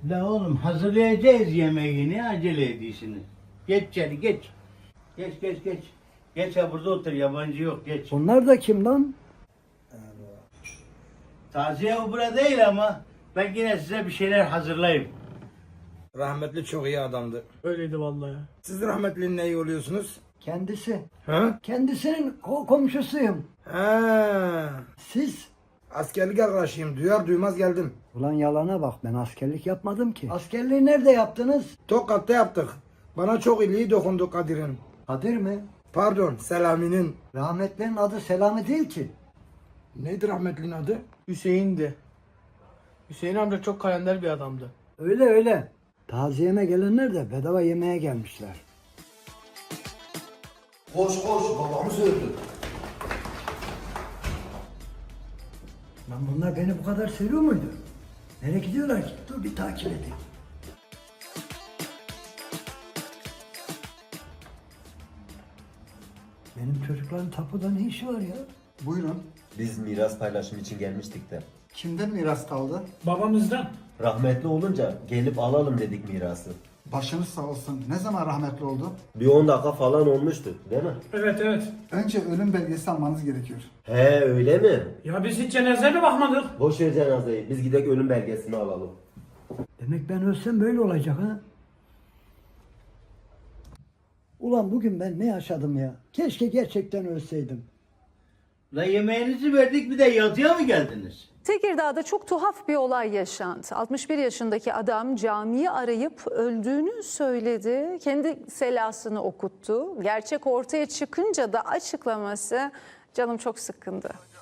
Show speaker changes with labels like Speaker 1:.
Speaker 1: La oğlum hazırlayacağız yemeğini, acele ediyorsunuz. Geç içeri geç. Geç. Geç ha burada otur, yabancı yok, geç.
Speaker 2: Bunlar da kim lan?
Speaker 1: Taziye o burada değil ama ben yine size bir şeyler hazırlayayım.
Speaker 3: Rahmetli çok iyi adamdı.
Speaker 4: Öyleydi vallahi.
Speaker 3: Siz rahmetlinin neyi oluyorsunuz?
Speaker 2: Kendisi.
Speaker 3: Ha?
Speaker 2: Kendisinin komşusuyum.
Speaker 3: Ha.
Speaker 2: Siz?
Speaker 3: Askerlik arkadaşıyım. Duyar duymaz geldim.
Speaker 2: Ulan yalana bak, ben askerlik yapmadım ki. Askerliği nerede yaptınız?
Speaker 3: Tokat'ta yaptık. Bana çok iyiliği dokundu Kadir'in.
Speaker 2: Kadir mi?
Speaker 3: Pardon, Selami'nin.
Speaker 2: Rahmetlerin adı Selami değil ki.
Speaker 3: Neydi rahmetlinin adı?
Speaker 4: Hüseyin'di. Hüseyin amca çok kalender bir adamdı.
Speaker 2: Öyle. Taziyeme gelenler de bedava yemeğe gelmişler.
Speaker 5: Koş babamız öldü.
Speaker 2: Lan bunlar beni bu kadar seviyor muydu? Nereye gidiyorlar ki? Dur bir takip edeyim. Benim çocukların tapuda ne işi var ya?
Speaker 5: Buyurun.
Speaker 6: Biz miras paylaşımı için gelmiştik de.
Speaker 5: Kimden miras kaldı?
Speaker 4: Babamızdan.
Speaker 6: Rahmetli olunca gelip alalım dedik mirası.
Speaker 5: Başınız sağ olsun. Ne zaman rahmetli oldu?
Speaker 6: Bir 10 dakika falan olmuştu değil mi?
Speaker 4: Evet.
Speaker 5: Önce ölüm belgesi almanız gerekiyor.
Speaker 6: He öyle mi?
Speaker 4: Ya biz hiç cenazeye mi bakmadık?
Speaker 6: Boş ver cenazeyi. Biz gidek ölüm belgesini alalım.
Speaker 2: Demek ben ölsem böyle olacak ha? Ulan bugün ben ne yaşadım ya? Keşke gerçekten ölseydim.
Speaker 1: La yemeğinizi verdik, bir de yatıya mı geldiniz?
Speaker 7: Tekirdağ'da çok tuhaf bir olay yaşandı. 61 yaşındaki adam camiyi arayıp öldüğünü söyledi. Kendi selasını okuttu. Gerçek ortaya çıkınca da açıklaması canım çok sıkkındı.